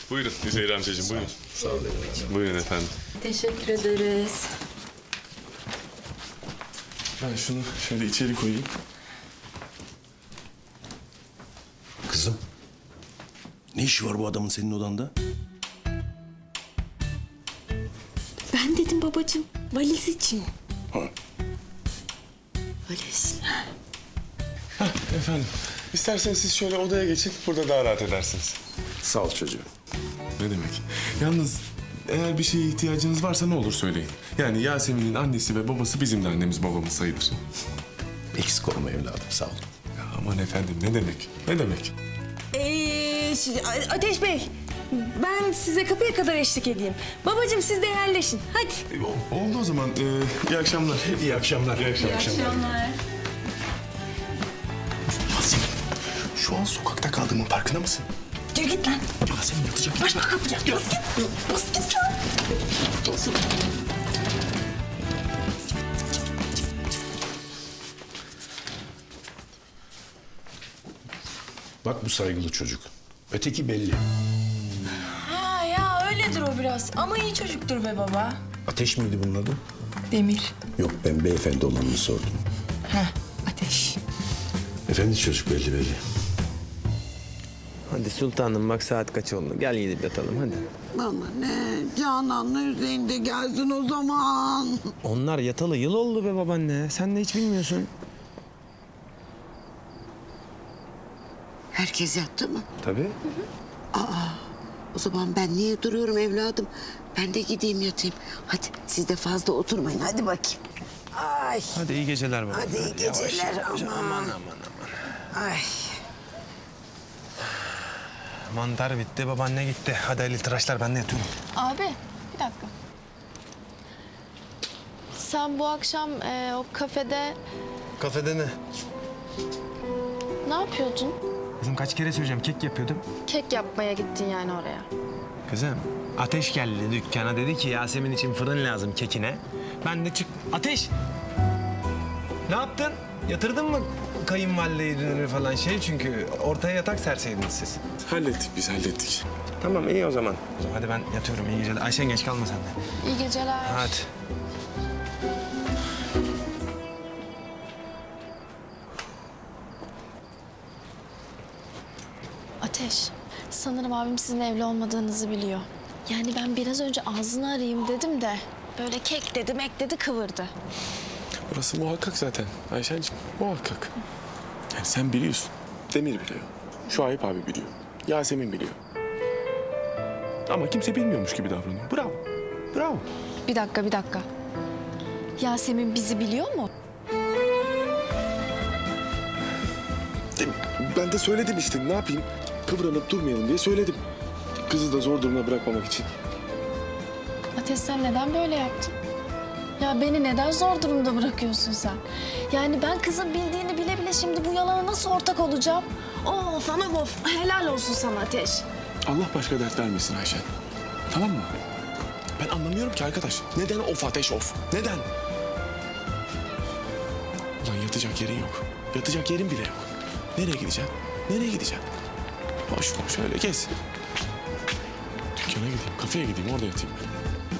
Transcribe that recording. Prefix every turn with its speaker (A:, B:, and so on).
A: Buyurun Üzeyir amcacığım, buyurun. Sağ olun. Buyurun efendim.
B: Teşekkür ederiz.
A: Ben şunu şöyle içeri koyayım.
C: Kızım, ne işi var bu adamın senin odanda?
B: Ben dedim babacığım, valiz için.
C: Ha.
B: Valiz.
A: Efendim, isterseniz siz şöyle odaya geçin, burada daha rahat edersiniz.
C: Sağ ol çocuğum.
A: Ne demek? Yalnız eğer bir şeye ihtiyacınız varsa ne olur söyleyin. Yani Yasemin'in annesi ve babası bizim de annemiz babamız sayılır.
C: Eksik olma evladım, sağ ol.
A: Ya aman efendim, ne demek? Ne demek?
D: Ateş Bey, ben size kapıya kadar eşlik edeyim. Babacığım siz de yerleşin. Hadi.
A: Oldu o zaman. İyi akşamlar.
C: İyi akşamlar. İyi akşamlar. Yasemin, şu an sokakta kaldığımın farkında mısın?
D: Yürü git lan.
C: Yasemin yatacak.
D: Başka kapıya. Bas git. Bas git lan.
C: Bak bu saygılı çocuk. Öteki belli.
D: Ha ya öyledir o biraz. Ama iyi çocuktur be baba.
C: Ateş miydi bunun adı?
D: Demir.
C: Yok, ben beyefendi olanını sordum.
D: Heh, Ateş.
C: Efendi çocuk belli.
E: Hadi sultanım bak saat kaç oldu. Gel gidip yatalım hadi.
F: Bana ne? Canan'la Hüseyin de gelsin o zaman.
E: Onlar yatalı yıl oldu be babaanne. Sen de hiç bilmiyorsun.
F: Herkes yattı mı?
E: Tabii.
F: O zaman ben niye duruyorum evladım? Ben de gideyim yatayım. Hadi siz de fazla oturmayın. Hadi bakayım. Ay.
E: Hadi iyi geceler baba.
F: Hadi iyi geceler aman. Ay.
E: Mantar bitti, babaanne gitti. Hadi Ali tıraşlar ben de yatıyorum.
G: Abi bir dakika. Sen bu akşam o kafede
E: Kafede ne?
G: ne yapıyordun?
E: Kızım kaç kere söyleyeceğim kek yapıyordum.
G: Kek yapmaya gittin yani oraya.
E: Kızım Ateş geldi dükkana dedi ki Yasemin için fırın lazım kekine. Ben de Ateş! Ne yaptın? Yatırdın mı kayınvalideyi dünürü falan çünkü ortaya yatak serseydiniz siz.
A: Hallettik biz, hallettik.
E: Tamam iyi o zaman. Hadi ben yatıyorum iyi geceler. Ayşen geç kalma sen de.
G: İyi geceler.
E: Hadi.
G: Ateş, sanırım abim sizin evli olmadığınızı biliyor. Yani ben biraz önce ağzını arayayım dedim de böyle kek dedim ekledi kıvırdı.
A: Burası muhakkak zaten Ayşen'cim, muhakkak. Yani sen biliyorsun, Demir biliyor, Şuayb abi biliyor, Yasemin biliyor. Ama kimse bilmiyormuş gibi davranıyor. Bravo, bravo.
G: Bir dakika. Yasemin bizi biliyor mu?
A: Ben de söyledim işte, ne yapayım? Kıvranıp durmayalım diye söyledim. Kızı da zor duruma bırakmamak için.
G: Ateş sen neden böyle yaptın? Ya beni neden zor durumda bırakıyorsun sen? Yani ben kızın bildiğini bile bile şimdi bu yalana nasıl ortak olacağım? Of anam of. Helal olsun sana Ateş.
A: Allah başka dert vermesin Ayşen. Tamam mı? Ben anlamıyorum ki arkadaş. Neden of Ateş of? Neden? Ulan yatacak yerin yok. Yatacak yerin bile yok. Nereye gideceksin? Nereye gideceksin? Boş boş öyle gez. Dükkana gideyim, kafeye gideyim, orada yatayım ben.